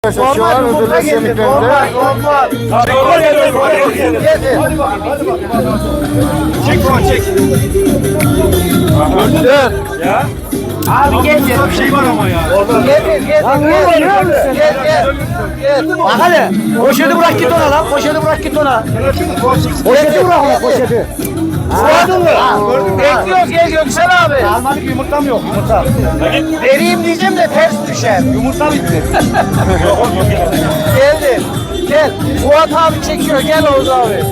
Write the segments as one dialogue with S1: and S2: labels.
S1: Normal yumurta getir. Normal.
S2: Çek baba çek.
S1: Dur.
S2: Ya.
S1: Abi getir.
S2: Bir şey var ama ya.
S1: Getir. Gel.
S3: Bak hele, poşeti bırak git ona lan, poşeti bırak git ona. Poşeti bırak ona, poşeti.
S1: Bekliyoruz gel Göksel abi.
S3: Almadık yumurtam yok, yumurta.
S1: Vereyim diyeceğim de ters düşer.
S3: Yumurta bitti.
S1: Geldim. Gel. Fuat abi çekiyor. Gel Oğuz abi.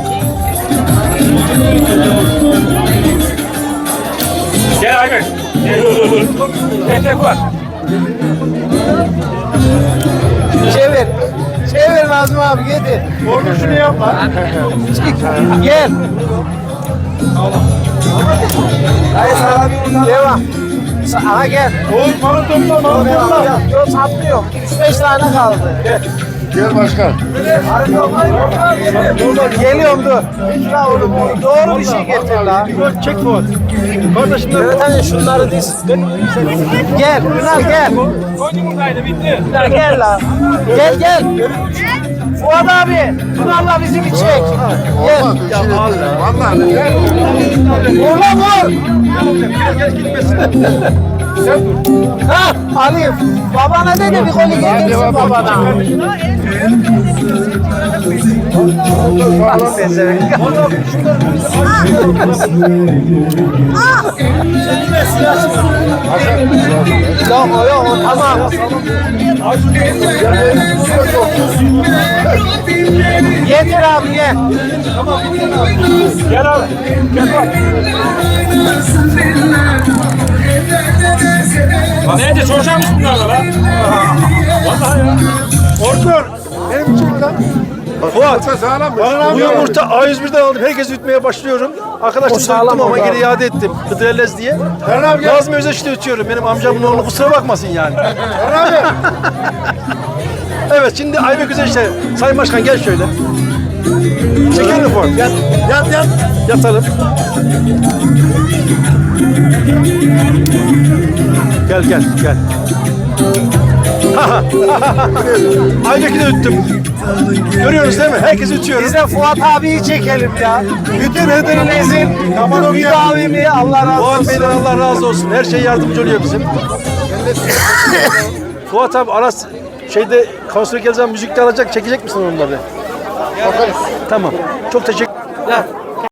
S2: Gel Ayber. Tek var.
S1: Çevir. Çevir Nazım abi getir.
S3: Orada şunu yap lan.
S1: Gel. Hayır sana devam. Aha gel.
S3: Oğuz malı topla, malı topla.
S1: Yok saplıyor. 3-5 tane kaldı.
S4: Gel başkan.
S1: Geliyorum dur. Ya oğlum doğru bir şey getir la.
S3: Çek Fuat. Kardeşim
S1: Evet hani şunları diz. Gel Ünal gel.
S2: Koy yumurtaydı bitti.
S1: Ünal gel la. Gel. Fuat abi. Ünal'la bizi bir çek. Gel.
S4: Olmaz. Vallahi.
S1: Vur lan vur. Ha Ali. Babana de de bir golü getirsin babana. Bak pezevenk. Yok tamam. Getir abi gel.
S2: Gel abi. Gel bak. Neydi çocuğa mısın bunlarla lan? Vallahi ya.
S3: Ordur. Benim çek lan. Fuat.
S4: Sağlam.
S3: Bu yumurta A101'den aldım. Herkes ütmeye başlıyorum. Arkadaşlar söktüm ama geri iade ettim. Hıdrellez diye. Nazım Özeş'te ötüyorum. Benim amcamın oğlu kusura bakmasın yani. Evet şimdi Aybek Özeş'te. Sayın Başkan gel şöyle. Çekelim Fuat. Yat. Yatalım. Gel. Aybek'i de üttüm. Görüyoruz değil mi? Herkes ütüyoruz.
S1: Biz de Fuat abiyi çekelim ya. Bütün Hıdrellez'in müdavimi Allah razı
S3: Fuat
S1: olsun.
S3: Bey'den Allah razı olsun. Her şey yardımcı oluyor bizim. Fuat abi Aras şeyde konsere geleceğim müzikte alacak. Çekecek misin onları? Tamam. Çok teşekkür.